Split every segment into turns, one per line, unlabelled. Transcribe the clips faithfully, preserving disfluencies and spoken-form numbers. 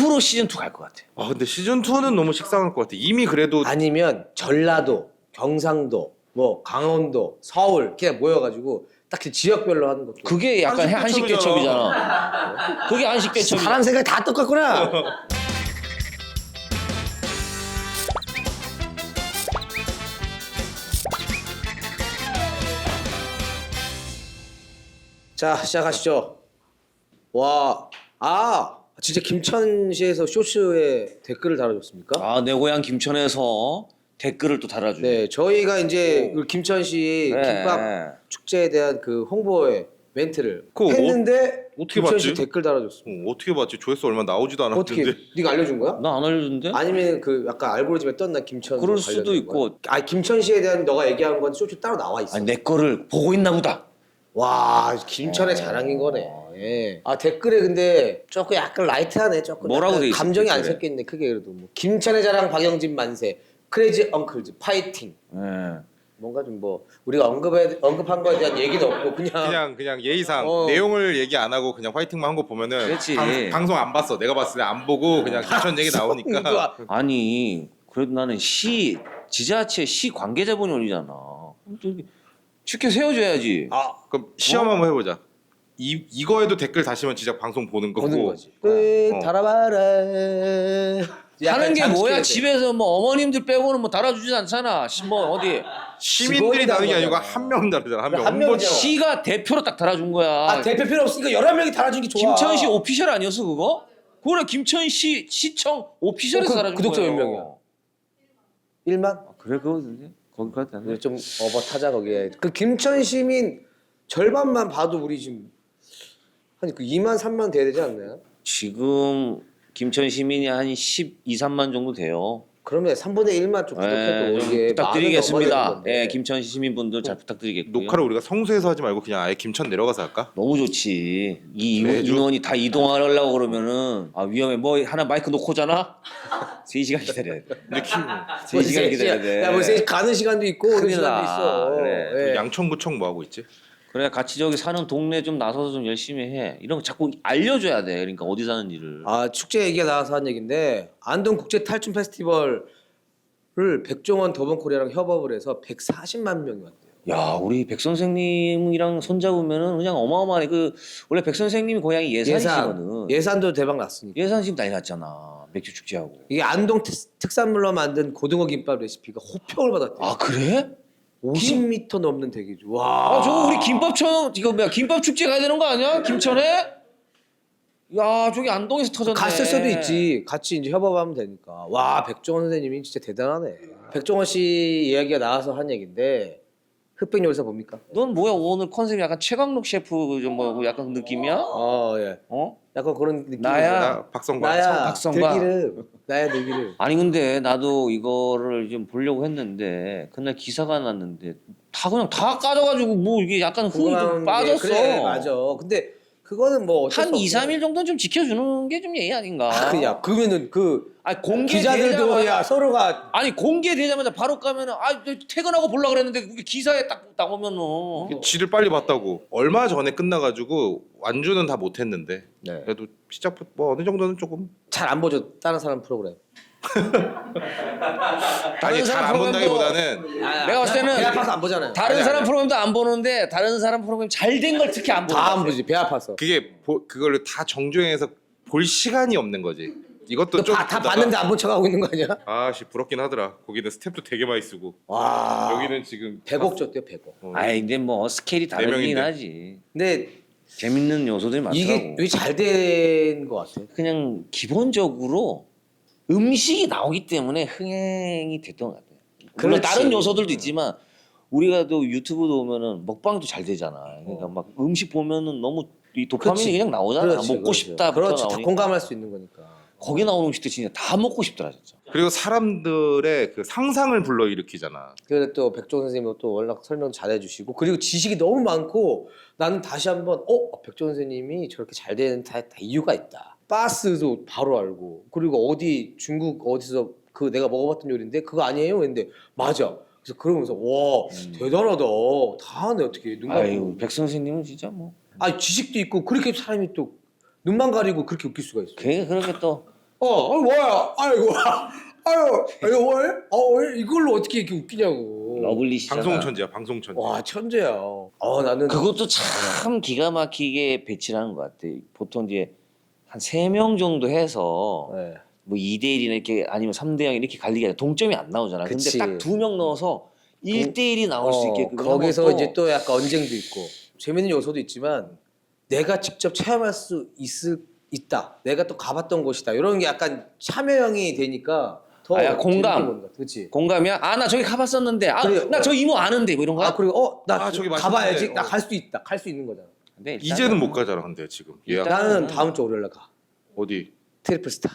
투로 시즌 투 갈 것 같아.
아 근데 시즌 이는 너무 식상할 것 같아. 이미 그래도
아니면 전라도, 경상도, 뭐 강원도, 서울 그냥 모여가지고 딱히 지역별로 하는 것도.
그게 약간
한식
한식
대첩이잖아.
대첩이잖아. 그게 한식 대첩이야.
사람 생각이 다 똑같구나. 자 시작하시죠. 와, 아 진짜 김천시에서 쇼츠에 댓글을 달아줬습니까?
아, 내 고향 김천에서 댓글을 또 달아주네.
네, 저희가 이제 그 김천시
네.
김밥 축제에 대한 그 홍보의 멘트를
그거
했는데
어떻게
김천시
봤지?
댓글 달아줬습니다.
어, 어떻게 봤지? 조회수 얼마 나오지도 않았는데.
어떻게? 네가 알려준 거야?
나 안 알려준대?
아니면 그 약간 알고리즘에 떴나 김천?
그럴 수도 있고.
아 김천시에 대한 너가 얘기한 건 쇼츠 따로 나와 있어.
아니, 내 거를 보고 있나 보다.
와 김천의 자랑인 거네. 예. 아 댓글에 근데 조금 약간 라이트하네. 조금
뭐라고
약간
돼 있어,
감정이 안
댓글에?
섞여 있네. 크게 그래도 뭐 김천의 자랑 박영진 만세, 크레이지 엉클즈 파이팅.
예.
뭔가 좀 뭐 우리가 언급해 언급한 거에 대한 얘기도 없고 그냥,
그냥 그냥 예의상
어.
내용을 얘기 안 하고 그냥 화이팅만 한 거 보면은
그렇지.
방, 방송 안 봤어. 내가 봤을 때 안 보고 그냥 김천 얘기 나오니까.
아니, 그래도 나는 시, 지자체 시 관계자분이 올리잖아. 그럼 또 이렇게 축제 세워줘야지.
아
그럼 시험 한번 해보자. 이 이거에도 댓글 다시면 진짜 방송 보는 거고.
보는 거지. 끝
어.
달아봐라.
하는 게 뭐야?
돼.
집에서 뭐 어머님들 빼고는 뭐 달아주지 않잖아. 시- 뭐 어디
시민들이 다는 게 아니고
거잖아.
한 명 다르잖아. 한 명.
한 명이잖아.
시가 대표로 딱 달아준 거야.
아 대표 필요 없으니까 열한 명이 달아준 게 좋아.
김천시 오피셜 아니었어 그거? 그래 김천시 시청 오피셜에서
어, 그
달아준
구독자
거예요.
몇 명이야? 일만?
아, 그래 그거 거기까지 안 돼.
좀 어버 타자 거기에. 그 김천 시민 절반만 봐도 우리 지금 한 그 이만 삼만 돼야 되지 않나요?
지금 김천 시민이 한 십이, 삼만 정도 돼요.
그러면 삼분의 일만 좀 구독해도
예, 좀
이게
부탁드리겠습니다.
마음이 넘어가는
예,
건데.
김천 시민분들 잘 부탁드리겠고요.
녹화를 우리가 성수에서 하지 말고 그냥 아예 김천 내려가서 할까?
너무 좋지. 이 인원-
매주?
인원이 다 이동하려고 그러면은 아 위험해. 뭐 하나 마이크 놓고 오잖아. 세 시간 기다려야 돼.
근데 키,
뭐
세 시간 기다려야 돼.
야, 뭐 세- 가는 시간도 있고 오는
큰일
시간도
나.
있어.
그래.
예.
양천구청 뭐 하고 있지?
그래 같이 저기 사는 동네 좀 나서서 좀 열심히 해. 이런 거 자꾸 알려줘야 돼. 그러니까 어디 사는지를.
아 축제 얘기가 나와서 한 얘긴데 안동 국제 탈춤 페스티벌을 백종원 더본코리아랑 협업을 해서 백사십만 명이 왔대요.
야 우리 백 선생님이랑 손잡으면은 그냥 어마어마하네. 그 원래 백 선생님이 고향이 예산이시거든.
예산도 대박 났으니까.
예산 지금 난리 났잖아. 맥주 축제하고.
이게 안동 특, 특산물로 만든 고등어 김밥 레시피가 호평을 받았대요.
아 그래?
오십 미터 넘는 대기죠. 와.
아 저거 우리 김밥천 이거 뭐야 김밥 축제 가야 되는 거 아니야? 김천에? 야 저기 안동에서 터졌네.
갔을 수도 있지. 같이 이제 협업하면 되니까. 와 백종원 선생님이 진짜 대단하네. 백종원 씨 이야기가 나와서 한 얘긴데 흑백 요리사 봅니까?
넌 뭐야 오늘 컨셉이 약간 최강록 셰프 좀 뭐 약간 그 느낌이야?
어 예.
어?
약간 그런 느낌.
나야.
나 박성관.
나야.
박성광.
들기름. 나야 들기름.
아니 근데 나도 이거를 좀 보려고 했는데 그날 기사가 났는데 다 그냥 다 까져가지고 뭐 이게 약간 흥이 좀 빠졌어.
그래 맞아. 근데 그거는 뭐 어쩔
한
수
이,
없어.
삼 일 정도는 좀 지켜주는 게 좀 예의 아닌가?
아, 야 그러면은 그
아니 공개
기자들도 야 서로가
아니 공개되자마자 바로 가면은 아 퇴근하고 보려 그랬는데 그게 기사에 딱 나오면은
지를 빨리 봤다고. 얼마 전에 끝나가지고 완주는 다 못했는데
네.
그래도 시작부터 뭐 어느 정도는 조금.
잘 안 보죠 다른 사람 프로그램.
아니 잘 안
사람
본다기보다는
내가 봤을 때는
배 아파서 안 보잖아요.
다른
아니,
사람
아니야.
프로그램도 안 보는데 다른 사람 프로그램 잘 된 걸 특히 안 보는
다
것
안
같아.
보지 배 아파서.
그게 보, 그거를 다 정주행해서 볼 시간이 없는 거지. 이것도 좀
다, 다
보다가
봤는데 안 본 척하고 있는 거 아니야?
아씨 부럽긴 하더라. 거기는 스텝도 되게 많이 쓰고
와
여기는 지금
백억 줬대요 백억.
어.
아이 근데 뭐 스케일이 다르긴
명인데.
하지.
근데
재밌는 요소들이 많더라고.
이게 왜 잘 된 거 같아?
그냥 기본적으로 음식이 나오기 때문에 흥행이 됐던 것 같아요. 물론
그렇지.
다른 요소들도 있지만 우리가 또 유튜브도 보면은 먹방도 잘 되잖아. 그러니까 막 음식 보면은 너무 이 도파민이
그렇지.
그냥 나오잖아.
그렇지,
먹고
그렇지.
싶다.
그렇지 다
나오니까.
공감할 수 있는 거니까.
거기 나오는 음식들 진짜 다 먹고 싶더라 진짜.
그리고 사람들의 그 상상을 불러일으키잖아.
그래 또 백종원 선생님은 또 워낙 설명 잘해주시고 그리고 지식이 너무 많고 나는 다시 한번 어 백종원 선생님이 저렇게 잘 되는 다, 다 이유가 있다. 바스도 바로 알고 그리고 어디 중국 어디서 그 내가 먹어봤던 요리인데 그거 아니에요? 근데 맞아. 그래서 그러면서 와 대단하다. 다 하네 어떻게 눈
아유
감고.
백 선생님은 진짜 뭐
아 지식도 있고 그렇게 사람이 또 눈만 가리고 그렇게 웃길 수가 있어.
걔 그렇게 또
어, 어 뭐야? 아이고, 아유, 이거 뭐야? 어, 이걸로 어떻게 이렇게 웃기냐고.
러블리시잖아.
방송 천재야, 방송 천재.
와, 천재야. 어, 나는
그것도 참 기가 막히게 배치를 하는 것 같아. 보통 이제 한 세 명 정도 해서
네.
뭐 이 대 일이나 이렇게 아니면 삼 대 영 이렇게 갈리게 아니라 동점이 안 나오잖아.
그치.
근데 딱 두 명 넣어서 일 대 일이 나올 수
어,
있게끔
거기서
하면 또
이제 또 약간 언쟁도 있고 재밌는 요소도 있지만 내가 직접 체험할 수 있을 있다. 내가 또 가봤던 곳이다. 이런 게 약간 참여형이 되니까 더
아, 야, 공감.
그렇지.
공감이야? 아 나 저기 가봤었는데 아
그래,
나 저 이모 아는데 뭐 이런 거야?
아 그리고 어나
아, 저기
가봐야지.
맛있는데.
나
어.
갈 수 있다. 갈 수 있는 거잖아.
근데 일단은
이제는 못 가잖아, 근데 지금 예약.
일단-
나는 다음 주 월요일 날 가.
어디?
트리플 스타.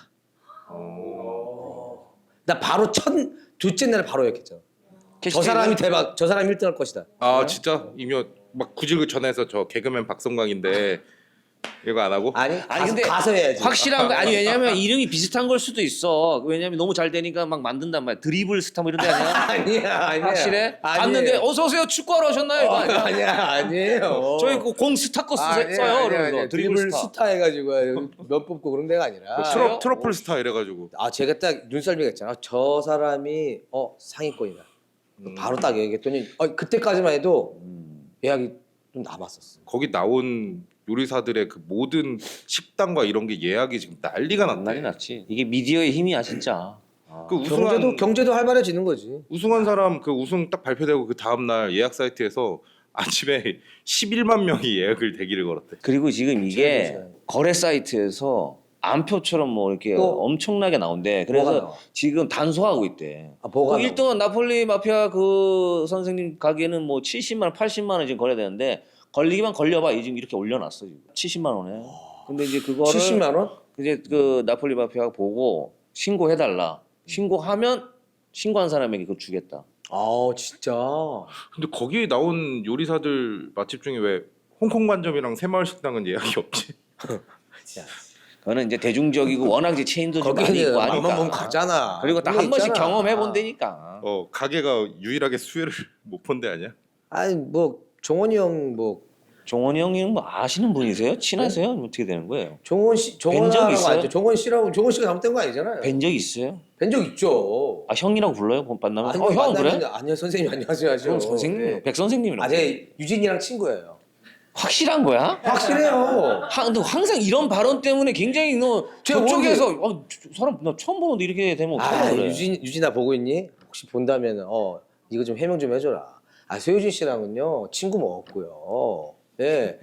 어...
나 바로 첫 둘째 날 바로 예약했잖아. 저
캐시팅을-
사람이 대박. 저 사람이 일 등 할 것이다.
아 진짜 이미 막 굳이 그 전화해서 저 개그맨 박성광인데 이거 안 하고?
아니,
아니
가서,
근데
가서 해야지.
확실한 거 아니 왜냐면 이름이 비슷한 걸 수도 있어. 왜냐면 너무 잘 되니까 막 만든단 말이야. 드리블 스타 뭐 이런 데 아니야?
아니야, 아니야.
확실해?
아니에요.
봤는데 어서 오세요 축구하러 오셨나요? 이거
어,
아니야?
아니야, 아니에요.
저희 그공 스타 거 쓰,
아니야,
써요.
아니야,
그러면서
아니야.
드리블,
드리블
스타.
스타 해가지고 면 뽑고 그런 데가 아니라.
그 트러, 트러플 스타 이래가지고
아 제가 딱 눈썰미가 있잖아. 저 사람이 어 상위권이다.
음.
바로 딱 얘기했더니 어, 그때까지만 해도
음.
예약이 좀 남았었어.
거기 나온 요리사들의 그 모든 식당과 이런 게 예약이 지금 난리가
난리
났대.
났지. 이게 미디어의 힘이야 진짜. 아.
그 우승한
경제도 경제도 활발해지는 거지.
우승한 사람 그 우승 딱 발표되고 그 다음 날 예약 사이트에서 아침에 십일만 명이 예약을 대기를 걸었대.
그리고 지금 이게
제일
거래 사이트에서 암표처럼 뭐 이렇게
또
엄청나게 나온대.
뭐가
그래서
나와?
지금 단속하고 있대.
아 뭐가
그 일 등은 나폴리 마피아 그 선생님 가게는 뭐 칠십만 원, 팔십만 원 지금 거래되는데 걸리기만 걸려봐 지금 이렇게 올려놨어 지금 칠십만 원에. 근데 이제 그거를
칠십만 원?
이제 그 나폴리 마피아가 보고 신고해달라. 신고하면 신고한 사람에게 그거 주겠다.
아 진짜.
근데 거기에 나온 요리사들 맛집 중에 왜 홍콩 관점이랑 새마을 식당은 예약이 없지?
그거는 이제 대중적이고 워낙 이제 체인도 좀 많이
거기는
있고
맘만 보면
하니까.
가잖아.
그리고 딱
그게
한 번씩
있잖아.
경험해 본다니까.
어 가게가 유일하게 수혜를 못 본 데 아니야?
아니 뭐 종원이 형뭐
종원이 형님 뭐 아시는 분이세요? 친하세요? 어떻게 되는 거예요?
종원 씨
뵌적
종원이라고
있어요?
알죠. 종원 씨라고 종원 씨가 잘못된 거 아니잖아요.
뵌 적 있어요?
뵌 적 있죠.
아 형이라고 불러요? 만나면?
아니,
어 형 그래?
만나면 아니요 선생님 안녕하세요 하죠.
형 선생님,
네.
백 선생님이라고.
아 제가 유진이랑 친구예요.
확실한 거야?
확실해요.
하, 너 항상 이런 발언 때문에 굉장히 너
제가
저쪽에서 어, 저, 저 사람 나 처음 보는데 이렇게 되면
아
어떡하려 그래?
유진 유진아 보고 있니? 혹시 본다면 어 이거 좀 해명 좀 해줘라. 아 소유진 씨랑은요 친구 먹었고요. 예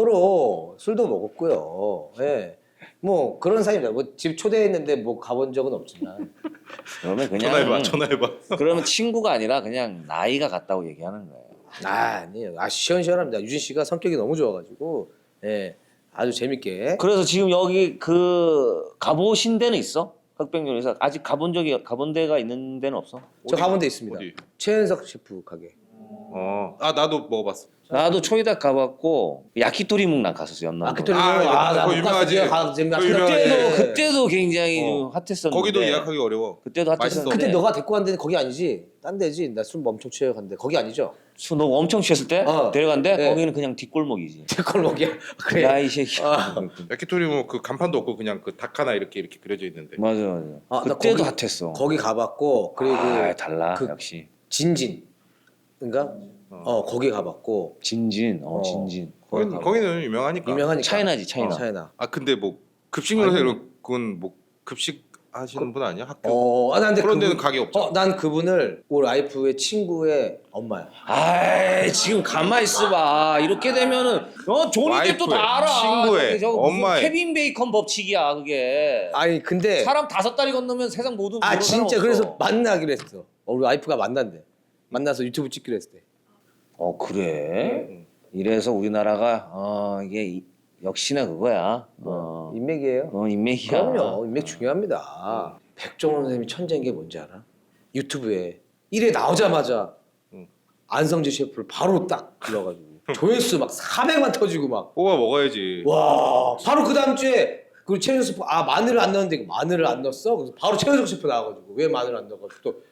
서로 술도 먹었고요. 예. 뭐 그런 사이입니다. 뭐 집 초대했는데 뭐 가본 적은 없지만
그러면 그냥
전화해봐, 전화해봐.
그러면 친구가 아니라 그냥 나이가 같다고 얘기하는 거예요.
아 아니에요. 아 시원시원합니다. 유진 씨가 성격이 너무 좋아가지고 예 아주 재밌게.
그래서 지금 여기 그 가보신 데는 있어? 흑백요리사 아직 가본 적이 가본 데가 있는 데는 없어?
저 가본 데 있습니다.
어디?
최은석 셰프 가게.
어, 아 나도 먹어봤어.
나도 초이닥 가봤고 야키토리묵 난 갔었어 연남도.
마케토리
아,
아,
그거
나
유명하지.
가 재밌
그거 유명하지.
그때도
네.
그때도 굉장히
어.
좀 핫했었는데.
거기도 예약하기 어려워.
그때도
맛있어.
핫했었는데.
그때 너가 데리고 간 데는 거기 아니지? 딴 데지? 나 술 엄청 취해 갔는데 거기 아니죠?
술 너 엄청 취했을 때
어.
데려간데
네.
거기는 그냥 뒷골목이지.
제걸목이야. 그래.
야 이 새끼.
아.
야키토리 뭐 그 간판도 없고 그냥 그 닭 하나 이렇게 이렇게 그려져 있는데.
맞아 맞아.
아, 나
그때도
거기-
핫했어.
거기 가봤고 그리고
아 달라
그-
역시.
진진. 그러니까 어 거기 가봤고
진진 어,
어.
진진.
거기
거기
거기는 유명하니까.
유명하니까.
차이나지 차이나.
어, 차이나.
아 근데 뭐 급식 요리사
아니.
이런 건 뭐 급식 하시는 분 아니야? 학교.
어, 아, 난 근데
그런
그분-
데는 가게 없잖아.
어, 난 그분을 우리 와이프의 친구의 엄마야.
아이 지금 가만 있어봐. 이렇게 되면은 어 조니 뎁도 다 알아.
친구의,
저기 저거 무슨
엄마의.
케빈 베이컨 법칙이야 그게.
아니 근데
사람 다섯 다리 건너면 세상 모든
아
모르는 사람
진짜
없어.
그래서 만나기로 했어. 어, 우리 와이프가 만난대. 만나서 유튜브 찍기로 했을 때.
어 그래?
응.
이래서 우리나라가 어 이게 이- 역시나 그거야. 어,
인맥이에요.
어 인맥이야.
그럼요. 인맥 중요합니다. 백종원 선생님이 천재인 게 뭔지 알아? 유튜브에 일 회 나오자마자
응.
안성재 셰프를 바로 딱 불러가지고 조회수 막 사백만 터지고 막
뽑아 먹어야지.
와 바로 그 다음 주에 그 최현석 셰프 아 마늘을 안 넣었는데 이거 마늘을 안 넣었어? 그래서 바로 최현석 셰프 나와가지고 왜 마늘 안 넣어가지고 또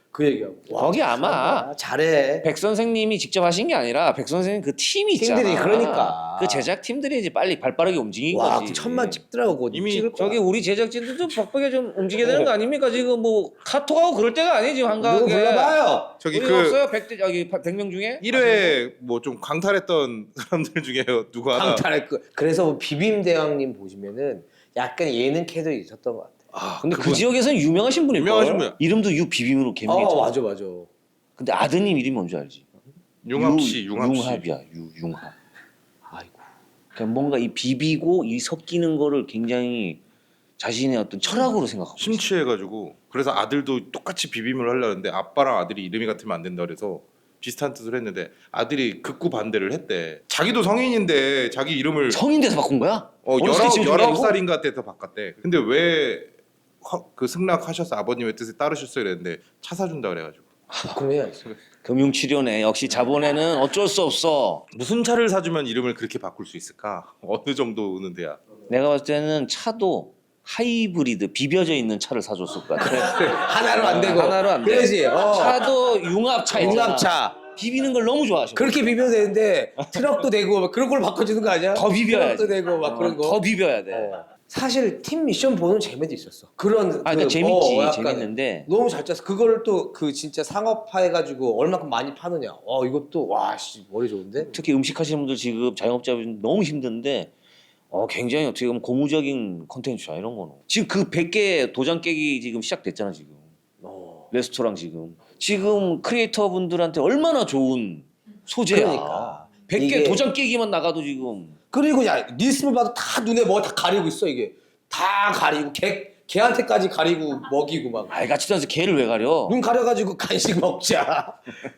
그 얘기하고. 와,
거기 아마
잘한다. 잘해.
백 선생님이 직접 하신 게 아니라 백 선생님 그 팀이 있잖아.
팀들이 그러니까.
그 제작 팀들이 이제 빨리 발빠르게 움직인
와,
거지.
그 천만 찍더라고.
이미
찍을 거야.
저기 우리 제작진도 좀 벅벅하게 좀 움직여야 되는 거 아닙니까? 지금 뭐 카톡하고 그럴 때가 아니지
누구
한가하게.
불러봐요.
저기
우리
그
없어요? 백 대 여기 백 명 중에?
일 회 뭐 좀 강탈했던 사람들 중에 누구 하나
강탈할 거. 그래서 뭐 비빔 대왕님 보시면은 약간 예능 캐릭이 있었던 것 같아.
아,
근데 그
그분
지역에서는 유명하신 분일 거예요.
유명하신 분이야.
이름도 유 비빔으로
어,
개명했잖아.
맞아, 맞아.
근데 아드님 이름이 뭔지 알지?
융합 씨,
유-
융합 씨.
융합이야. 유 융합. 아이고. 그냥 뭔가 이 비비고 이 섞이는 거를 굉장히 자신의 어떤 철학으로 생각하고 있어.
심취해가지고 그래서 아들도 똑같이 비빔을 하려는데 아빠랑 아들이 이름이 같으면 안 된다 그래서 비슷한 뜻을 했는데 아들이 극구 반대를 했대. 자기도 성인인데 자기 이름을
성인 돼서 바꾼 거야?
어
어렸을 때
열아홉
지은 게
열아홉
아니고?
살인가 때서 바꿨대. 근데 왜 그 승낙하셔서 아버님의 뜻에 따르셨어요 이랬는데 차 사준다 그래가지고
그럼 해야지.
금융치료네. 역시 자본에는 어쩔 수 없어.
무슨 차를 사주면 이름을 그렇게 바꿀 수 있을까? 어느 정도는 돼야?
내가 봤을 때는 차도 하이브리드 비벼져 있는 차를 사줬을 것 같아.
하나로 안 되고.
하나로 안 돼.
그러지. 어.
차도 융합차 있잖아.
융합차.
비비는 걸 너무 좋아하셔.
그렇게 비벼도 되는데 트럭도 되고 막 그런 걸 바꿔주는 거 아니야?
더 비벼야지.
트럭도 되고 막 그런 거.
더 비벼야 돼.
어. 사실 팀 미션 보는 재미도 있었어. 그런
아,
그,
그러니까 재밌지.
어, 약간
재밌는데
너무 잘 짰어. 그거를 또 그 진짜 상업화 해가지고 얼마큼 많이 파느냐. 와 이것도 와씨 머리 좋은데.
특히 음식 하시는 분들 지금 자영업자분 너무 힘든데 어 굉장히 어떻게 보면 고무적인 컨텐츠야 이런 거는. 지금 그 백 개 도장 깨기 지금 시작됐잖아 지금.
어.
레스토랑 지금. 지금 크리에이터 분들한테 얼마나 좋은 소재야.
그러니까.
백 개
이게-
도장 깨기만 나가도 지금
그리고 야 리스를 봐도 다 눈에 뭐 다 가리고 있어 이게. 다 가리고 개 개한테까지 가리고 먹이고 막.
알같지도 않아서 개를 왜 가려?
눈 가려가지고 간식 먹자.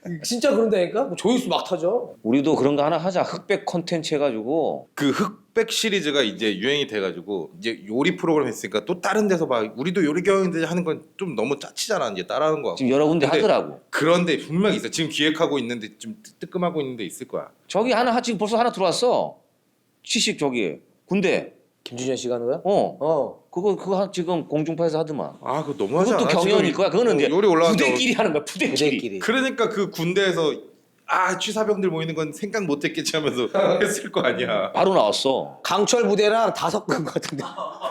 진짜 그런다니까? 뭐 조회수 막 타죠.
우리도 그런 거 하나 하자. 흑백 컨텐츠 해가지고
그 흑백 시리즈가 이제 유행이 돼가지고 이제 요리 프로그램 했으니까 또 다른 데서 막 우리도 요리 경영인데 하는 건 좀 너무 짜치잖아 이제 따라하는 거.
지금 여러 군데
근데
하더라고.
그런데 분명히 있어. 지금 기획하고 있는데 좀 뜨- 뜨끔하고 있는데 있을 거야.
저기 하나 하- 지금 벌써 하나 들어왔어. 취식 저기 군대.
김준현 씨가 하는 거야?
어.
어.
그거 그거 한- 지금 공중파에서 하더만.
아 그거 너무하지
그것도
않아?
경연일
지금
거야. 그거는
어,
이제
요리 올라왔는데
부대끼리 하는 거야. 부대끼리.
부대끼리.
그러니까 그 군대에서 아 취사병들 모이는 건 생각 못했겠지 하면서 했을 거 아니야.
바로 나왔어.
강철 부대랑 다 섞은 것 같은데.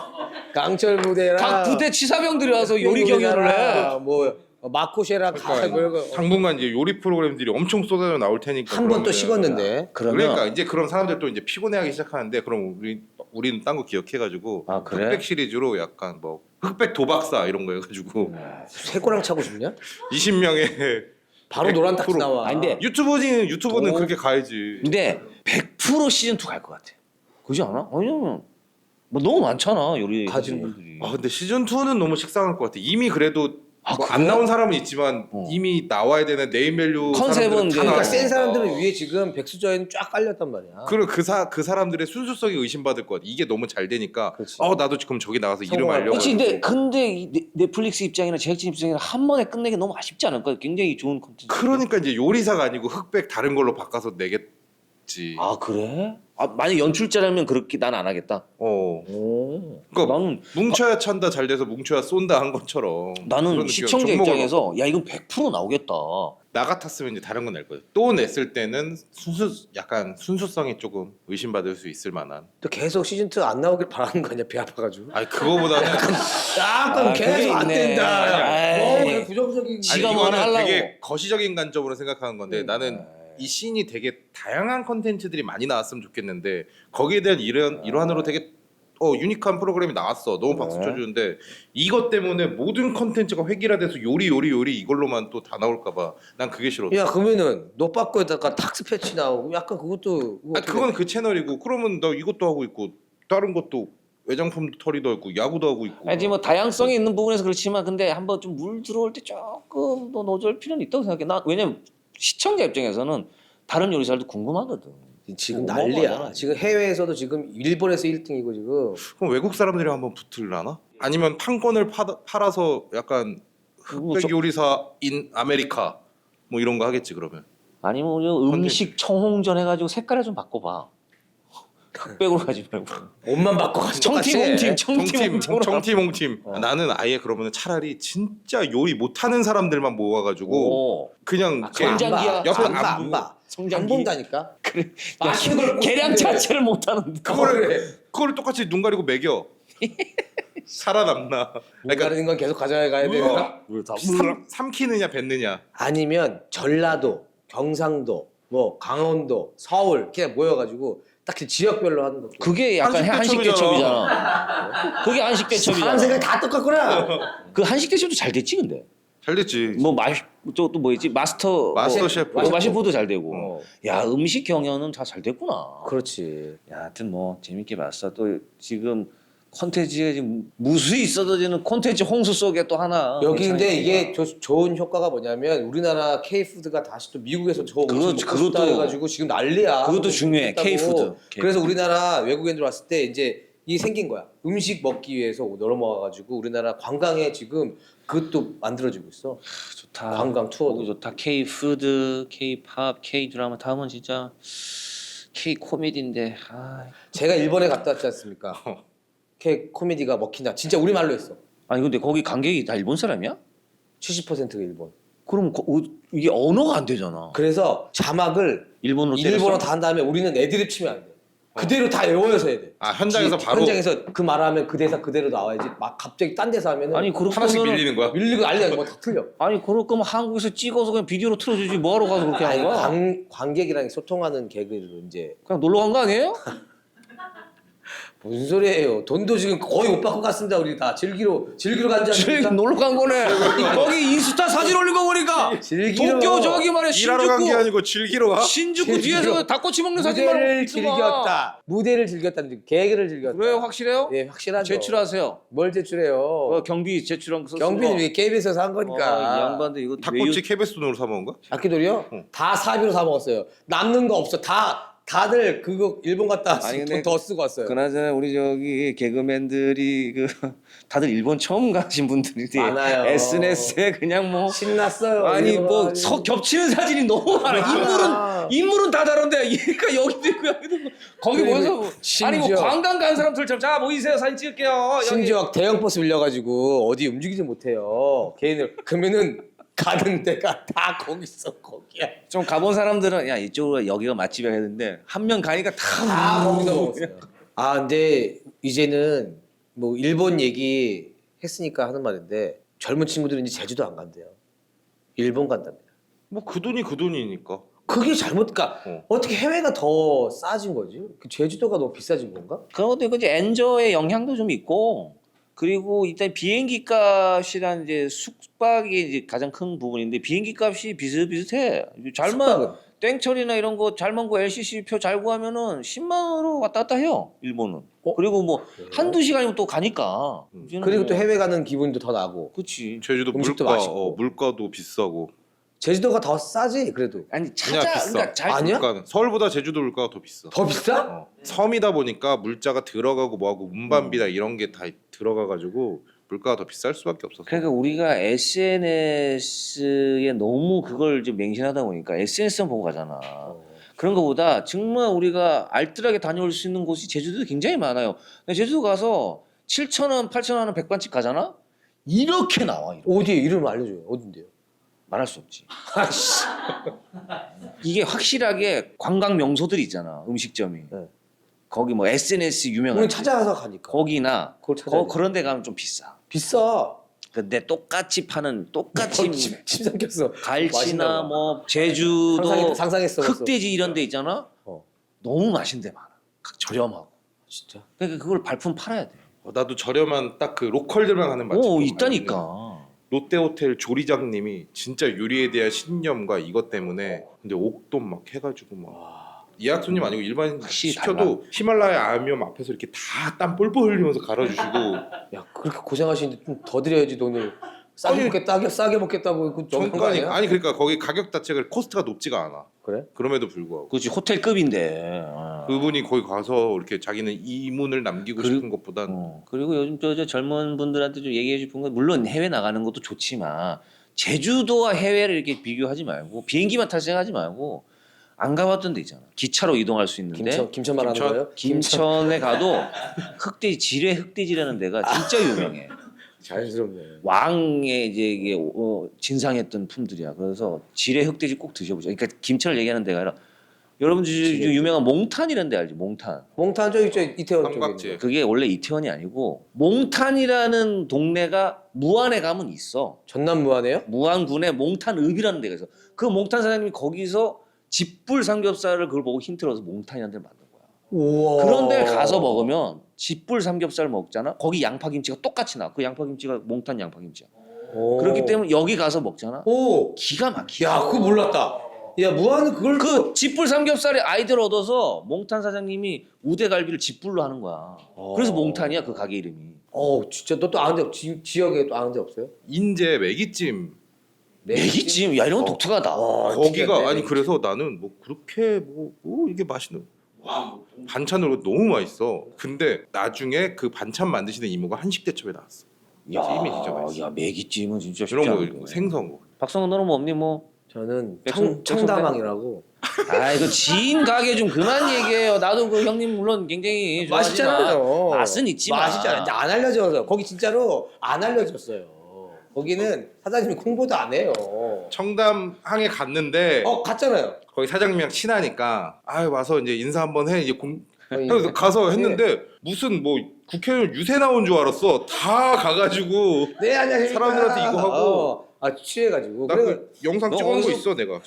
강철 부대랑
각 부대 치사병들이 와서 요리 경연을 해.
뭐 마코쉐랑 다
그러니까
그거
당분간 이제 요리 프로그램들이 엄청 쏟아져 나올 테니까.
한 번 또
그러면은
식었는데.
그러면
그러니까 이제 그런 사람들 또 이제 피곤해하기 시작하는데 그럼 우리 우리는 딴 거 기억해가지고
아, 그래?
흑백 시리즈로 약간 뭐 흑백 도박사 이런 거 해가지고
쇠고랑 차고 싶냐?
이십 명의
바로 노란 딱지
백 퍼센트.
나와.
아니, 근데
유튜버는 유튜버는
도-
그렇게 가야지.
근데 백 퍼센트 시즌 투 갈 것 같아. 그지 않아? 왜냐면 뭐 너무 많잖아 요리
가지는
하시는 분들이.
아 근데 시즌 이는 너무 식상할 것 같아. 이미 그래도
아,
뭐
그래?
안 나온 사람은 있지만
어.
이미 나와야 되는 네임밸류
컨셉은
사람들은
이제-
다
그러니까
나와.
센 사람들은 위에 지금 백수저에는 쫙 깔렸단 말이야.
그리고 그사 그 사람들의 순수성이 의심받을 것 같아. 이게 너무 잘 되니까
그렇지.
어 나도 지금 저기 나가서 이름
성공할
알려고.
그렇지. 근데 근데 이 넷- 넷플릭스 입장이나 제작진 입장이나 한 번에 끝내기 너무 아쉽지 않을까? 굉장히 좋은 컨텐츠.
그러니까 이제 요리사가 아니고 흑백 다른 걸로 바꿔서 내겠지.
아 그래? 아 만약 연출자라면 그렇게 난 안 하겠다.
어.
오.
그러니까
나는
뭉쳐야 찬다 잘 돼서 뭉쳐야 쏜다 한 것처럼.
나는
그런 느낌.
시청자
종목을
입장에서 야 이건 백 퍼센트 나오겠다.
나 같았으면 이제 다른 건 낼 거예요. 또 냈을 때는 순수 약간 순수성이 조금 의심받을 수 있을 만한.
또 계속 시즌 투 안 나오길 바라는 거 아니야? 배 아파가지고.
아니 그거보다는
약간
아,
계속
그게
안
있네.
된다.
아이.
너무 그냥 부정적인.
지가
아니,
뭐 하나
이거는
하려고.
되게 거시적인 관점으로 생각하는 건데
음.
나는 이 씬이 되게 다양한 컨텐츠들이 많이 나왔으면 좋겠는데 거기에 대한 일환, 일환으로 되게 어 유니크한 프로그램이 나왔어. 너무 박수
네.
쳐주는데 이것 때문에 모든 컨텐츠가 획일화돼서 요리 요리 요리 이걸로만 또 다 나올까봐 난 그게 싫어.
야 그러면은 노빠꾸에다가 탁스 패치 나오고 약간 그것도
아 그건 그 채널이고 그러면 나 이것도 하고 있고 다른 것도 외장품 털이도 있고 야구도 하고 있고.
아니 뭐 다양성이 있는 부분에서 그렇지만 근데 한번 좀 물 들어올 때 조금 더 노절 필요는 있다고 생각해. 나 왜냐면 시청자 입장에서는 다른 요리사들도 궁금하거든.
지금
뭐,
난리야.
뭐가
지금 해외에서도 지금 일본에서 일 등이고 지금.
그럼 외국 사람들이 한번 붙을라나? 아니면 판권을 파, 팔아서 약간
뭐
흑백
저-
요리사 인 아메리카 뭐 이런 거 하겠지 그러면.
아니면 우리 음식 청홍전 해가지고 색깔을 좀 바꿔봐. 흑백으로 가지 말고
옷만 바꿔가지고
청팀
똑같이 해.
홈팀 청팀
정팀,
홈팀으로
정팀, 홍팀.
어.
나는 아예 그러면 차라리 진짜 요리 못하는 사람들만 모아가지고
오.
그냥
아,
걔
안 봐.
성장기야.
옆에
안 봐,
안
안
보고
봐. 안
성장기.
본다니까.
그래.
맛있는 걸
계량
못
자체를 못하는데
그거를 그거를 똑같이 눈 가리고 먹여. 살아남나?
눈
그러니까
가리는 건 계속 가져가야 되나?
삼, 삼키느냐 뱉느냐.
아니면 전라도, 경상도, 뭐 강원도, 서울 그냥 모여가지고 딱 그 지역별로 하는 거.
그게 약간
한식
한식 대첩이잖아. 그게 한식
사람 생각이
대첩이잖아.
다 똑같구나.
그 한식 대첩도 잘 됐지 근데.
잘 됐지.
뭐 마시 또또 뭐였지 마스터
마스터
뭐,
셰프.
뭐 마시푸도 잘 되고.
어.
야 음식 경연은 다 잘 됐구나.
그렇지.
야, 하여튼 뭐 재밌게 봤어. 또 지금 콘텐츠가 지금 무수히 쏟아지는 콘텐츠 홍수 속에 또 하나.
여기 근데
괜찮으니까.
이게 조, 좋은 효과가 뭐냐면 우리나라 K 푸드가 다시 또 미국에서 저 음식
그거-
먹고 싶다
그것도-
해가지고 지금 난리야.
그것도
한국
중요해,
있다고.
K-푸드.
그래서 우리나라 외국인들 왔을 때 이제 이게 생긴 거야. 음식 먹기 위해서 넘어와가지고 우리나라 관광에 지금 그것도 만들어지고 있어.
좋다.
관광 투어도.
거기 좋다. K 푸드, K 팝, K 드라마 다음은 진짜 K 코미디인데. 아.
제가 일본에 갔다 왔지 않습니까? K 코미디가 먹힌다. 진짜 우리 말로 했어.
아니 근데 거기 관객이 다 일본 사람이야?
칠십 퍼센트가 일본.
그럼 거, 어, 이게 언어가 안 되잖아.
그래서 자막을
일본어로
일본어
때렸어?
다 한 다음에 우리는 애드립 치면 안 돼. 그대로 다 외워서 해야 돼.
아 현장에서
지-
바로
현장에서 그 말하면 그 대사 그대로 나와야지. 막 갑자기 딴 데서 하면은
아니 그럴
하나씩
거면은
밀리는 거야.
밀리고 난리야. 뭐다 틀려.
아니 그럴 거면 한국에서 찍어서 그냥 비디오로 틀어주지 뭐하러 가서 그렇게
아니
하는 거야?
관, 관객이랑 소통하는 개그를 이제
그냥 놀러 간 거 아니에요?
무슨 소리예요? 돈도 지금 거의 못 받고 갔습니다. 우리 다 즐기러 즐기러 간지 않습니까?
놀러 간 거네. 거기 인스타 사진 올린 거 보니까
즐기러
도쿄 저기 말이야
일하러 간 게
신주쿠
아니고 즐기러 와.
신주쿠
즐기러.
뒤에서 닭꼬치 먹는 사진 말고
무대를
있더만.
즐겼다. 무대를 즐겼다는 개그를 즐겼다.
그래요 확실해요?
예, 확실하죠.
제출하세요.
뭘 제출해요?
어, 경비 제출한 거 썼어.
경비는 왜 케이비에스에서 한
어,
거니까.
이 양반들 이거
닭꼬치 케베스 돈으로 사 먹은 거야?
아끼돌이요?
응.
다 사비로 사 먹었어요. 남는 거 없어. 다 다들 그거 일본 갔다
아니,
왔으면
근데
돈 더 쓰고 왔어요.
그나저나 우리 저기 개그맨들이 그 다들 일본 처음 가신 분들이
많아요.
에스엔에스에 그냥 뭐
신났어요.
아니
일본
뭐
가가지고.
서, 겹치는 사진이 너무 많아.
아.
인물은 인물은 다 다른데 얘가 여기도 있고 여기도 있고 거기
그리고
모여서 뭐- 아니 뭐
심지어-
관광 간 사람들처럼 자 모이세요 사진 찍을게요. 여기.
심지어 대형 버스 빌려가지고 어디 움직이지 못해요. 개인을 그러면은 가는 데가 다 거기 있어 거기야.
좀 가본 사람들은 야 이쪽으로 여기가 맛집이야 했는데 한 명 가니까 다,
다 거기서 먹었어요. 아 근데 이제는 뭐 일본 얘기 했으니까 하는 말인데 젊은 친구들은 이제 제주도 안 간대요. 일본 간답니다.
뭐 그 돈이 그 돈이니까.
그게 잘못, 그러니까
어.
어떻게 해외가 더 싸진 거지? 그 제주도가 너무 비싸진 건가?
그런데 그 이제 엔저의 영향도 좀 있고 그리고 일단 비행기 값이란 이제 숙박이 이제 가장 큰 부분인데 비행기 값이 비슷비슷해. 잘만
숙박은?
땡철이나 이런 거 잘만 구 엘씨씨 표 잘 구하면은 십만 원으로 왔다 갔다 해요 일본은.
어?
그리고 뭐
그래요?
한두 시간이면 또 가니까.
음.
이제는
그리고
뭐-
또 해외 가는 기분도 더 나고.
그치.
제주도
음식도
물가
맛있고.
어, 물가도 비싸고.
제주도가 더 싸지 그래도.
아니
그냥
찾아
비싸.
그러니까 잘
아니야?
물가는 서울보다 제주도 물가가 더 비싸.
더 비싸?
어. 섬이다 보니까 물자가 들어가고 뭐하고 운반비나 이런 게 다 들어가가지고 물가가 더 비쌀 수밖에 없었어.
그러니까 우리가 에스엔에스에 너무 그걸 좀 맹신하다 보니까 에스엔에스만 보고 가잖아.
어.
그런 것보다 정말 우리가 알뜰하게 다녀올 수 있는 곳이 제주도도 굉장히 많아요. 근데 제주도 가서 칠천 원, 팔천 원 하는 백반집 가잖아? 이렇게 나와. 이렇게.
어디에 이름 알려줘요. 어딘데요?
말할 수 없지.
아씨.
이게 확실하게 관광 명소들이 있잖아. 음식점이.
네.
거기 뭐 에스엔에스 유명한
우리
데.
찾아가서 가니까.
거기나
그걸 찾아야
거,
돼.
그런 데 가면 좀 비싸.
비싸.
근데 똑같이 파는 똑같이
거의 침, 침 삼켰어.
갈치나
맛있나 봐.
뭐 제주도
상상했, 상상했어. 벌써.
흑돼지 이런 데 있잖아.
어.
너무 맛있는 데 많아. 저렴하고.
진짜.
그러니까 그걸 발품 팔아야 돼.
어, 나도 저렴한 딱 그 로컬들만 하는 맛집.
오 있다니까.
롯데호텔 조리장님이 진짜 요리에 대한 신념과 이것 때문에 근데 옥돔 막 해가지고 막 예약 손님 아니고 일반
확실히
시켜도 히말라야 암염 앞에서 이렇게 다 땀 뻘뻘 흘리면서 갈아주시고
야 그렇게 고생하시는데 좀 더 드려야지 돈을. 싸게
아니,
먹겠다, 싸게 먹겠다고 그 정한 거
정가니
아니야?
아니 그러니까 거기 가격 자체가 코스트가 높지가 않아.
그래?
그럼에도 불구하고
그렇지 호텔급인데. 어.
그분이 거기 가서 이렇게 자기는 이문을 남기고
그리고-
싶은 것보단
어. 그리고 요즘 저, 저 젊은 분들한테 좀 얘기해 싶은 건 물론 해외 나가는 것도 좋지만 제주도와 해외를 이렇게 비교하지 말고 비행기만 탈 생각하지 말고 안 가봤던 데 있잖아. 기차로 이동할 수 있는데
김천 김천 말하는
김천?
거예요?
김천에 가도 흑돼지 지뢰 흑돼지라는 데가 진짜 유명해.
자연스럽네.
왕의 이제 이게 어, 진상했던 품들이야. 그래서 지뢰 흑돼지 꼭 드셔보자. 그러니까 김천을 얘기하는 데가 아니라 여러분들
지뢰.
유명한 몽탄이라는 데 알지? 몽탄.
몽탄 저기 저 이태원 쪽에
삼각지.
있는 거.
그게 원래 이태원이 아니고 몽탄이라는 동네가 무안에 가면 있어.
전남 무안에요?
무안군에 몽탄읍이라는 데가 있어. 그 몽탄 사장님이 거기서 집불 삼겹살을 그걸 보고 힌트를 얻어서 몽탄이라는 데를 만든 거야.
우와.
그런 데 가서 먹으면 집불 삼겹살 먹잖아. 거기 양파김치가 똑같이 나. 그 양파김치가 몽탄 양파김치야.
오.
그렇기 때문에 여기 가서 먹잖아.
오.
기가 막혀.
야, 그거 몰랐다. 야, 무안은 그걸
그 집불 삼겹살에 아이디어를 얻어서 몽탄 사장님이 우대갈비를 집불로 하는 거야.
어.
그래서 몽탄이야 그 가게 이름이.
어, 진짜 너 또 아는 데 지, 지역에 또 아는 데 없어요?
인제 매기찜
매기찜 야 이런 건 독특하다.
와,
거기가
특이한데,
아니
매기찜.
그래서 나는 뭐 그렇게 뭐, 뭐 이게 맛있는 와 반찬으로 너무 맛있어. 근데 나중에 그 반찬 만드시는 이모가 한식 대첩에 나왔어. 찜이 진짜 맛있어.
야 매기찜은 진짜 쉽지
이런 거
않은데.
이런 거 생선 거.
박성은 너는 뭐 없니 뭐?
저는
백순-
청, 청담항이라고.
아 이거 지인 가게 좀 그만 얘기해요. 나도 그 형님 물론 굉장히 좋아하지만
맛있잖아요.
맛은 있지만
맛있잖아요. 근데 안 알려져서 거기 진짜로 안 알려졌어요. 거기는 사장님이 홍보도 안 해요.
청담항에 갔는데
어, 갔잖아요.
거기 사장님이랑 친하니까 아 와서 이제 인사 한번 해 이제 공
거기
그래서 가서 했는데 무슨 뭐 국회의원 유세 나온 줄 알았어. 다 가가지고
네, 안녕하십니까.
사람들한테 이거 하고.
어, 아, 취해가지고.
나
그래,
그 영상
너
찍어놓은 거
거기서-
있어 내가.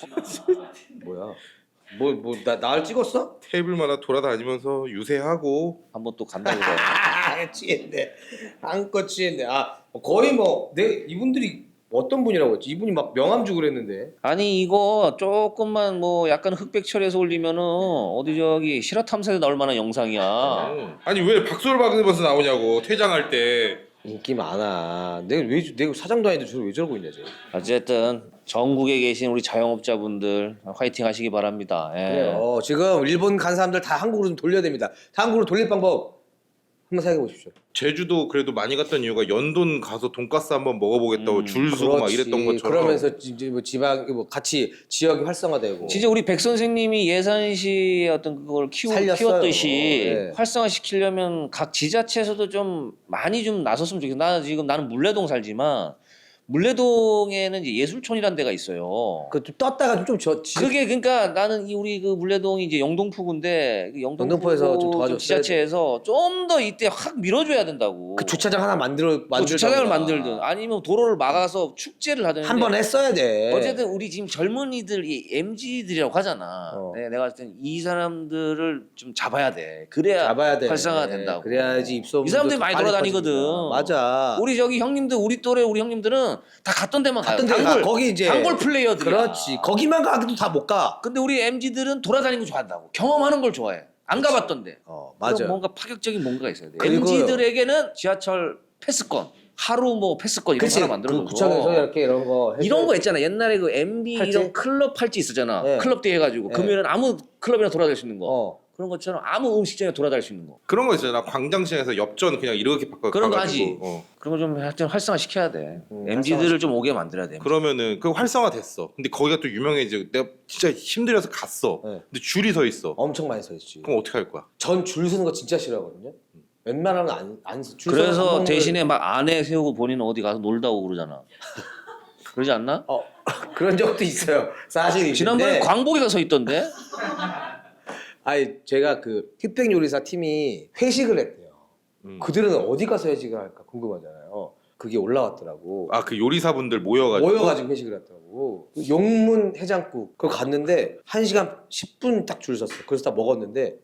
뭐야? 뭐, 뭐, 나, 나를 찍었어?
테이블마다 돌아다니면서 유세하고
한번 또 간다고 그래.
아, 취했네. 한껏 취했네. 아, 거의 뭐, 내, 이분들이 어떤 분이라고 했지? 이분이 막 명함 주고 그랬는데.
아니 이거 조금만 뭐 약간 흑백 처리해서 올리면은 어디 저기 실화 탐사에 나올 만한 영상이야.
아니 왜 박수를 받으면서 나오냐고 퇴장할 때.
인기 많아. 내가 왜, 저- 내가 사장도 아닌데 저를 왜 저러고 있냐, 쟤.
어쨌든 전국에 계신 우리 자영업자분들 화이팅 하시기 바랍니다. 예.
그래요. 지금 일본 간 사람들 다 한국으로 좀 돌려야 됩니다. 다 한국으로 돌릴 방법 한번 생각해 보십시오.
제주도 그래도 많이 갔던 이유가 연돈 가서 돈가스 한번 먹어보겠다고
음,
줄 서고 막 이랬던 것처럼.
그러면서 이제 뭐 지방 뭐 같이 지역이 활성화되고.
진짜 우리 백 선생님이 예산시의 어떤 그걸 키우,
살렸어요.
키웠듯이
네.
활성화시키려면 각 지자체에서도 좀 많이 좀 나섰으면 좋겠어. 나 지금 나는 물레동 살지만 물레동에는 이제 예술촌이라는 데가 있어요.
그좀 떴다가 좀 저. 지...
그게 그러니까 나는 이 우리 그 물레동이 이제 영동포구인데 그 영동포구
영등포에서 좀 도와줬어야
지자체에서 좀 더 이때 확 밀어줘야 된다고.
그 주차장 하나 만들어
또
만들.
주차장을 만들든 아니면 도로를 막아서 축제를 하든
한번 했어야 돼.
어쨌든 우리 지금 젊은이들 이 엠지들이라고 하잖아.
어.
네, 내가 봤을 땐 이 사람들을 좀 잡아야 돼. 그래야
잡아야 돼.
활성화가 된다고.
그래야지 입소문.
이 사람들이 많이 돌아다니거든.
맞아.
우리 저기 형님들 우리 또래 우리 형님들은 다 갔던 데만
갔던
가요.
데가
단골
거기 이제
단골 플레이어들이야.
그렇지. 거기만 가기도 다 못 가.
근데 우리 엠지들은 돌아다니는 거 좋아한다고. 경험하는 걸 좋아해. 안 가봤던데.
어,
그럼
맞아.
뭔가 파격적인 뭔가가 있어야 돼.
그리고요.
엠지들에게는 지하철 패스권, 하루 뭐 패스권 이런 거
그렇지.
하나 만들어
그
놓고.
구청에서 이렇게 이런 거 해서
이런 거 있잖아. 옛날에 그 엠비
팔찌?
이런 클럽 팔찌 있었잖아.
네.
클럽 대 해가지고
네.
금요일은 아무 클럽이나 돌아다닐 수 있는 거.
어.
그런 것처럼 아무 음식점에 돌아다닐 수 있는 거.
그런 거 있잖아. 광장시장에서 엽전 그냥 이렇게 바꿔
그런 거
가가지고.
하지.
어.
그런 거 좀 하여튼 활성화 시켜야 돼.
음,
엠지들을 좀 오게 만들어야 돼.
그러면은 그 활성화 됐어. 근데 거기가 또 유명해지고 내가 진짜 힘들어서 갔어.
네.
근데 줄이 서 있어.
엄청 많이 서 있지.
그럼 어떻게 할 거야?
전 줄 서는 거 진짜 싫어하거든요. 웬만하면 안안줄
그래서 대신에 막 안에 세우고 본인은 어디 가서 놀다 오고 그러잖아. 그러지 않나?
어 그런 적도 있어요. 사실
지난번에 광복이가 서 있던데.
아니 제가 그 휘핑 요리사 팀이 회식을 했대요.
음.
그들은 어디 가서 회식을 할까 궁금하잖아요. 그게 올라왔더라고.
아 그 요리사분들 모여가지고.
모여가지고 회식을 했더라고. 그 용문 해장국 그거 갔는데 한 시간 십 분 딱 줄 섰어. 그래서 다 먹었는데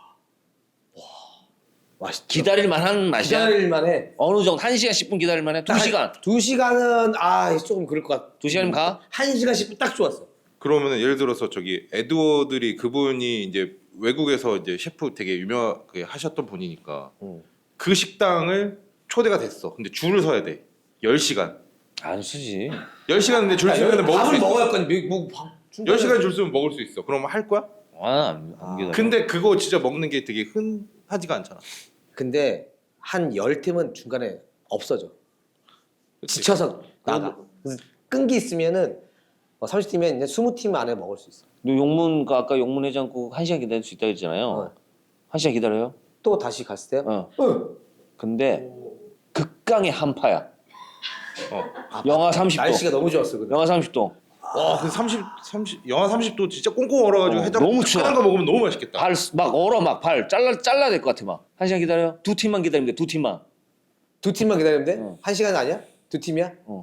와 맛있.
기다릴 만한 맛이야.
기다릴 만해.
어느 정도 한 시간 십 분 기다릴 만해. 두 시간.
두 시간은 아 조금 그럴 것 같아.
두 시간이면 가?
한 시간 십 분 딱 좋았어.
그러면은 예를 들어서 저기 에드워드리 그분이 이제 외국에서 이제 셰프 되게 유명하게 하셨던 분이니까
응.
그 식당을 초대가 됐어. 근데 줄을 서야 돼. 열 시간.
안 쓰지.
열 시간 근데 줄 서면 먹을 수
밥을
있어.
먹어야 할 건데 뭐 밥.
열 시간 줄 서면 먹을 수 있어. 그러면 할 거야?
아안 안 기다려.
근데 그거 진짜 먹는 게 되게 흔하지가 않잖아.
근데 한 열 팀은 중간에 없어져.
그치?
지쳐서 나가. 그래서 끈기 있으면은 어, 삼십 팀이면 이제 이십 팀 안에 먹을 수 있어.
너 용문 그 아까 용문 해장국 한 시간 기다릴 수 있다 했잖아요.
어.
한 시간 기다려요?
또 다시 갔을 때요?
어.
응.
근데 극강의 한파야.
어.
영하 삼십 도.
날씨가 너무 좋았어. 근데.
영하 삼십 도.
와, 그 삼십, 삼십, 영하 삼십 도 진짜 꽁꽁 얼어가지고
어,
해장
너무 추워.
하는 거 먹으면 너무 맛있겠다.
발 막 얼어 막 발 잘라 잘라야 될 것 같아 막. 한 시간 기다려? 두 팀만 기다리면 돼. 두 팀만.
두 팀만 기다리면 돼?
어.
한 시간 아니야? 두 팀이야?
어.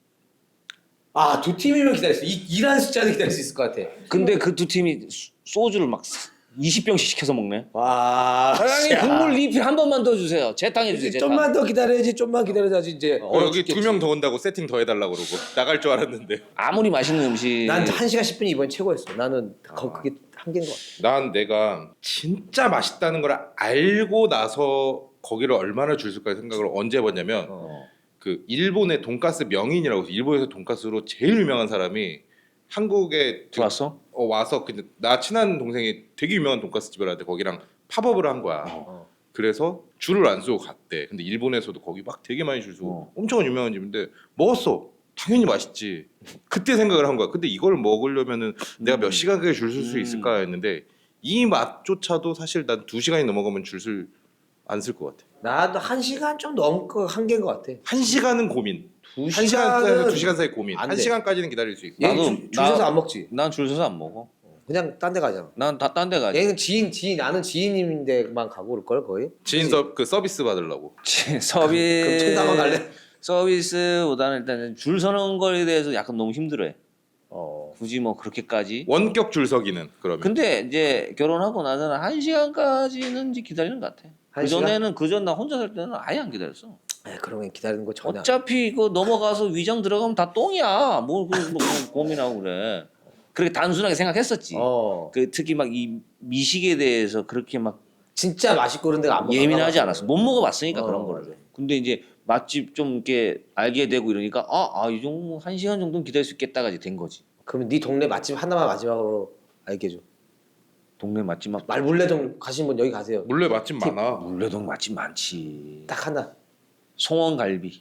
아, 두 팀이면 기다릴 수. 이 이란 숫자는 기다릴 수 있을 것 같아.
근데 그 두 팀이 수- 소주를 막 이십 병씩 시켜서 먹네.
와.
사장님 국물 리필 한 번만 더 주세요. 재탕해 주세요. 재탕.
좀만 더 기다려야지. 좀만 기다려야지 이제.
어, 여기 두 명 더 온다고 세팅 더 해달라고 그러고 나갈 줄 알았는데.
아무리 맛있는 음식.
난 한 시간 십 분이 이번 최고였어. 나는 거, 그게 한계인 것 같아.
난 내가 진짜 맛있다는 걸 알고 나서 거기를 얼마나 줄 쓸까 생각을 언제 해봤냐면
어.
그 일본의 돈가스 명인이라고 해서 일본에서 돈가스로 제일 유명한 사람이 한국에
들어왔어?
어, 와서 근데 나 친한 동생이 되게 유명한 돈가스 집을 하는데 거기랑 팝업을 한 거야.
어.
그래서 줄을 안 서고 갔대. 근데 일본에서도 거기 막 되게 많이 줄 서고
어.
엄청 유명한 집인데 먹었어. 당연히 맛있지. 그때 생각을 한 거야. 근데 이걸 먹으려면은 내가 몇 시간까지 줄 설 수
음.
있을까 했는데 이 맛조차도 사실 난 두 시간이 넘어가면 줄 안 쓸 것 같아.
나도 한 시간 좀 넘고 한계인 것 같아.
한 시간은 고민.
두
한 시간에서
시간은
두 시간 사이 고민.
안
한
돼.
시간까지는 기다릴 수 있어.
얘
나도-
줄, 줄
나-
서서 안 먹지.
난 줄 서서 안 먹어.
그냥 딴 데 가잖아.
난 다 딴 데 가지.
얘는 지인 지인 나는 지인인데만 가고 올 걸 거의.
지인 서, 그 서비스 받으려고.
서비스.
그럼 청담원 갈래?
서비스보다는 일단 줄 서는 거에 대해서 약간 너무 힘들어해.
어.
굳이 뭐 그렇게까지.
원격 줄 서기는 그러면.
근데 이제 결혼하고 나서는 한 시간까지는 이제 기다리는 것 같아.
한
그 전에는 그 전 나 혼자 살 때는 아예 안 기다렸어.
에 그러면 기다리는 거 전혀.
어차피 이거 넘어가서 위장 들어가면 다 똥이야. 뭘 그, 뭐, 뭐 고민하고 그래. 그렇게 단순하게 생각했었지.
어.
그 특히 막 이 미식에 대해서 그렇게 막
진짜 맛있고 그런 데가 안 먹어.
예민하지 않았어. 못 먹어봤으니까
어,
그런 거를.
맞아.
근데 이제 맛집 좀 이렇게 알게 되고 이러니까 아아이 정도 한 시간 정도는 기다릴 수 있겠다가 이제 된 거지.
그러면 네 동네 맛집 하나만 마지막으로 알게 해줘.
동네 맛집 막
말물레동 가신 분 여기 가세요.
물레 맛집 많아.
물레동 맛집 많지.
딱 하나.
송원갈비.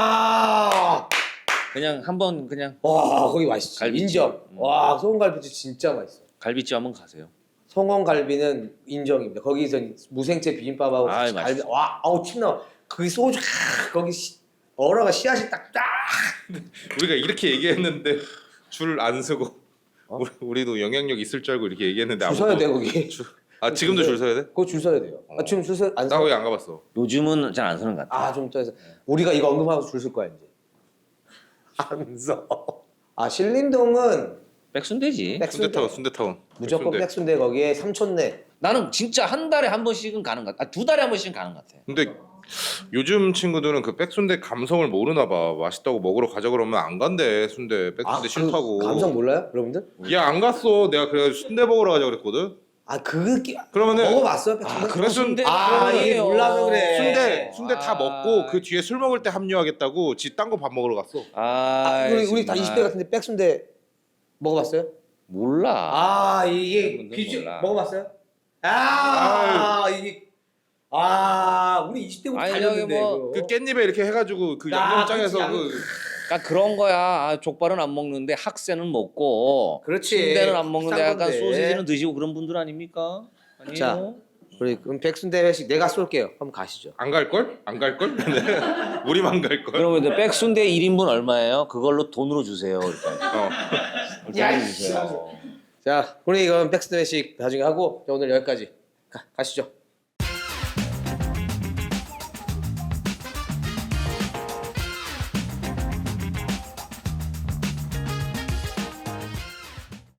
아.
그냥 한번 그냥
와 거기 맛있지.
갈비찜.
인정.
음.
와 송원갈비도 진짜 맛있어.
갈비집 한번 가세요.
송원갈비는 인정입니다. 거기서 무생채 비빔밥하고
아이,
같이 갈비. 와 아우 침 나와. 그 소주 아, 거기 시, 얼어가 씨앗이 딱 딱.
우리가 이렇게 얘기했는데 줄 안 서고
어?
우리, 우리도 영향력 있을 줄 알고 이렇게 얘기했는데
줄 서야
아무도-
돼 거기.
줄- 아 지금도 줄 서야 돼?
그거 줄 서야 돼요. 아, 지금 줄 서 안
나
서.
거기 안 가봤어.
요즘은 잘 안 서는 것 같아.
아좀 떠서 우리가 이거 언급하고 줄 설 거야 이제. 안 서. 아 신림동은
백순대지.
백순대.
순대타운 순대타운.
무조건
백순대.
백순대 거기에 삼촌네.
나는 진짜 한 달에 한 번씩은 가는 것 같아. 아, 두 달에 한 번씩은 가는 것 같아.
근데 요즘 친구들은 그 백순대 감성을 모르나 봐. 맛있다고 먹으러 가자 그러면 안 간대. 순대 백순대 싫다고.
그 감성 몰라요, 여러분들?
야 안 갔어. 내가 그래 순대 먹으러 가자 그랬거든.
아 그거 끼...
그러면은
먹어봤어요, 백순대?
아, 그런 순대
아, 이게 몰라서 그래.
순대 순대 다
아.
먹고 그 뒤에 술 먹을 때 합류하겠다고 지 딴 거 밥 먹으러 갔어.
아,
아, 우리 우리 다
정말.
이십 대 같은데 백순대 먹어봤어요?
몰라.
아 이게
여러분들
비주
몰라.
먹어봤어요? 아 이게 아 우리 이십 대부터
아니,
달렸는데
저기 뭐
그 깻잎에 이렇게 해가지고 그
아,
양념장에서
그치,
그
그러니까 그런 거야. 아, 족발은 안 먹는데 학새는 먹고
그렇지.
순대는 안 먹는데
싼
약간
건데.
소시지는 드시고 그런 분들 아닙니까? 아니에요?
자. 우리 그럼 백순대 회식 내가 쏠게요. 한번 가시죠.
안 갈 걸? 안 갈 걸? 우리만 갈 걸.
그러면 이제 백순대 일 인분 얼마예요? 그걸로 돈으로 주세요. 이렇게.
어.
이렇게 해주세요.
자 우리 이건 백순대 회식 나중에 하고 오늘 여기까지 가, 가시죠.